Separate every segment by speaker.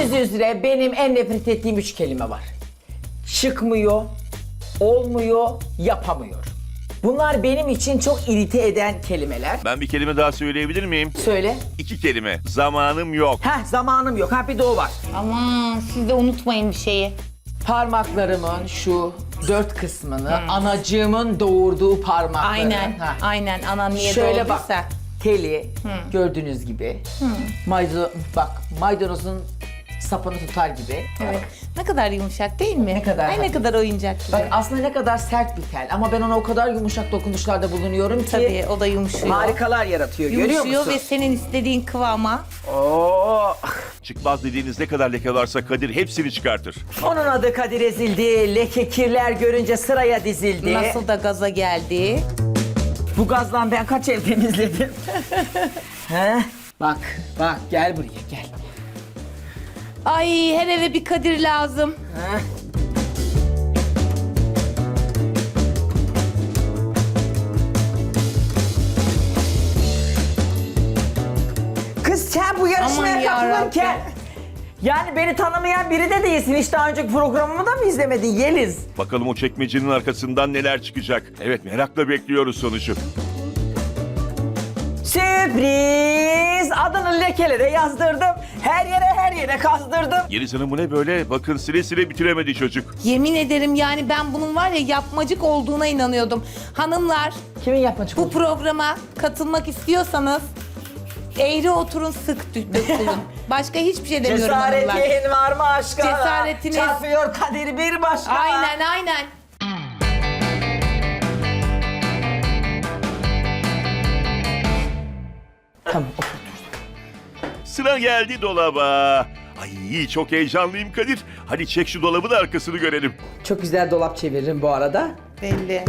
Speaker 1: Bildiğiniz üzere benim en nefret ettiğim 3 kelime var. Çıkmıyor, olmuyor, yapamıyor. Bunlar benim için çok irite eden kelimeler.
Speaker 2: Ben bir kelime daha söyleyebilir miyim?
Speaker 1: Söyle.
Speaker 2: 2 kelime. Zamanım yok.
Speaker 1: Zamanım yok. Bir de o var.
Speaker 3: Aman siz de unutmayın bir şeyi.
Speaker 1: Parmaklarımın şu 4 kısmını anacığımın doğurduğu parmakları.
Speaker 3: Aynen, aynen. Anan niye
Speaker 1: Şöyle bak.
Speaker 3: doğduysa.
Speaker 1: Teli gördüğünüz gibi. Maydanozun sapını tutar gibi.
Speaker 3: Evet. Ne kadar yumuşak değil mi?
Speaker 1: Ne kadar
Speaker 3: Ay ne
Speaker 1: hafif.
Speaker 3: kadar oyuncak gibi.
Speaker 1: Bak aslında ne kadar sert bir tel ama ben ona o kadar yumuşak dokunuşlarda bulunuyorum ki
Speaker 3: Tabii o da yumuşuyor.
Speaker 1: harikalar yaratıyor. Görüyor
Speaker 3: Yumuşuyor
Speaker 1: musun?
Speaker 3: ve senin istediğin kıvama.
Speaker 1: Oo.
Speaker 2: Çıkmaz dediğiniz ne kadar leke varsa Kadir hepsini çıkartır.
Speaker 1: Onun adı Kadir ezildi. Leke kirler görünce sıraya dizildi.
Speaker 3: Nasıl da gaza geldi.
Speaker 1: Bu gazdan ben kaç el temizledim. He? Bak gel buraya gel.
Speaker 3: Ay her eve bir Kadir lazım.
Speaker 1: He? Kız sen bu yarışmaya
Speaker 3: Aman
Speaker 1: katılırken
Speaker 3: yarabbim.
Speaker 1: yani beni tanımayan biri de değilsin. Hiç daha önceki programımı da mı izlemedin Yeliz?
Speaker 2: Bakalım o çekmecenin arkasından neler çıkacak. Evet, merakla bekliyoruz sonucu.
Speaker 1: Sürpriz! Adını lekelere yazdırdım. Her yere kazdırdım.
Speaker 2: Yeliz Hanım bu ne böyle? Bakın sile sile bitiremedi çocuk.
Speaker 3: Yemin ederim yani ben bunun var ya yapmacık olduğuna inanıyordum. Hanımlar
Speaker 1: Kimin yapmacık
Speaker 3: bu
Speaker 1: oldu?
Speaker 3: programa katılmak istiyorsanız eğri oturun sık dökülün. Başka hiçbir şey demiyorum hanımlar.
Speaker 1: Cesaretin var mı aşka?
Speaker 3: Cesaretiniz-
Speaker 1: Çarpıyor Kadir bir başka.
Speaker 3: Aynen aynen.
Speaker 1: Tamam otur.
Speaker 2: Sıra geldi dolaba. Ay çok heyecanlıyım Kadir. Hadi çek şu dolabın arkasını görelim.
Speaker 1: Çok güzel dolap çeviririm bu arada.
Speaker 3: Belli.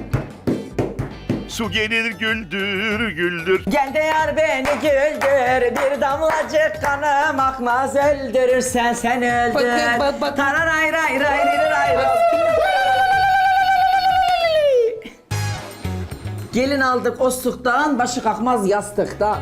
Speaker 2: Su gelir güldür güldür.
Speaker 1: Gel de yar beni güldür. Bir damlacık kanım akmaz öldürürsen sen öldür.
Speaker 3: Bak.
Speaker 1: Tararay ray ray ray ray ray. Gelin aldık osluktan, başı kalkmaz yastıkta.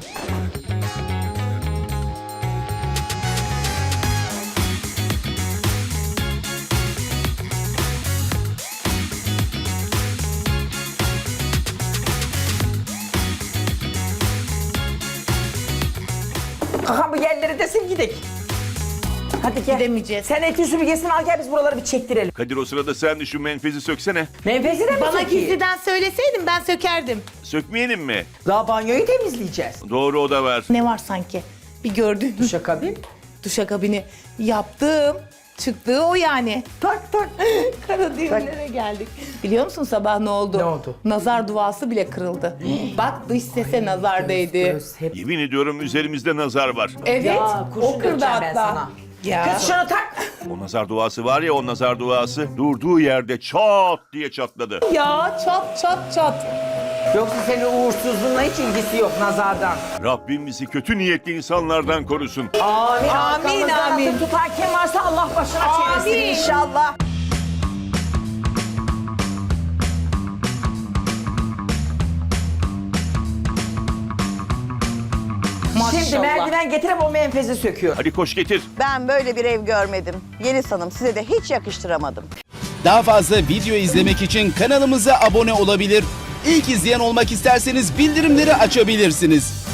Speaker 1: Kaka bu yerleri de sil gidelim. Hadi gel.
Speaker 3: Gidemeyeceğiz.
Speaker 1: Sen eti süpürgesini al gel biz buraları bir çektirelim.
Speaker 2: Kadir o sırada sen de şu menfezi söksene.
Speaker 1: Menfezi de mi
Speaker 3: Bana
Speaker 1: sökeyim?
Speaker 3: gizliden söyleseydin ben sökerdim.
Speaker 2: Sökmeyelim mi?
Speaker 1: Daha banyoyu temizleyeceğiz.
Speaker 2: Doğru o da var.
Speaker 3: Ne var sanki? Bir gördün mü?
Speaker 1: Duşakabin.
Speaker 3: Duşakabini yaptım. Çıktığı o yani.
Speaker 1: Tak.
Speaker 3: Kara düğümlere geldik. Biliyor musun sabah ne oldu?
Speaker 1: Ne oldu?
Speaker 3: Nazar duası bile kırıldı. Bak dış sese nazar değdi.
Speaker 1: Göz hep.
Speaker 2: Yemin ediyorum üzerimizde nazar var.
Speaker 3: Evet.
Speaker 1: Ya, kurşun
Speaker 3: o kırdı
Speaker 1: dökeceğim ben
Speaker 3: hatta.
Speaker 1: sana.
Speaker 3: Ya.
Speaker 1: Kız şunu tak.
Speaker 2: O nazar duası var ya, o nazar duası durduğu yerde çat diye çatladı.
Speaker 3: Ya çat.
Speaker 1: Yoksa senin uğursuzluğunla hiç ilgisi yok nazardan.
Speaker 2: Rabbim bizi kötü niyetli insanlardan korusun.
Speaker 1: Amin.
Speaker 3: Amin,
Speaker 1: Arkamızdan
Speaker 3: amin.
Speaker 1: atıp tutan kim varsa Allah başına çevirsin
Speaker 3: Amin.
Speaker 1: inşallah. Şimdi
Speaker 3: Maşallah.
Speaker 1: merdiven getirip o menfezi söküyor.
Speaker 2: Hadi koş getir.
Speaker 4: Ben böyle bir ev görmedim. Yeliz Hanım size de hiç yakıştıramadım.
Speaker 5: Daha fazla video izlemek için kanalımıza abone olabilir. İlk izleyen olmak isterseniz bildirimleri açabilirsiniz.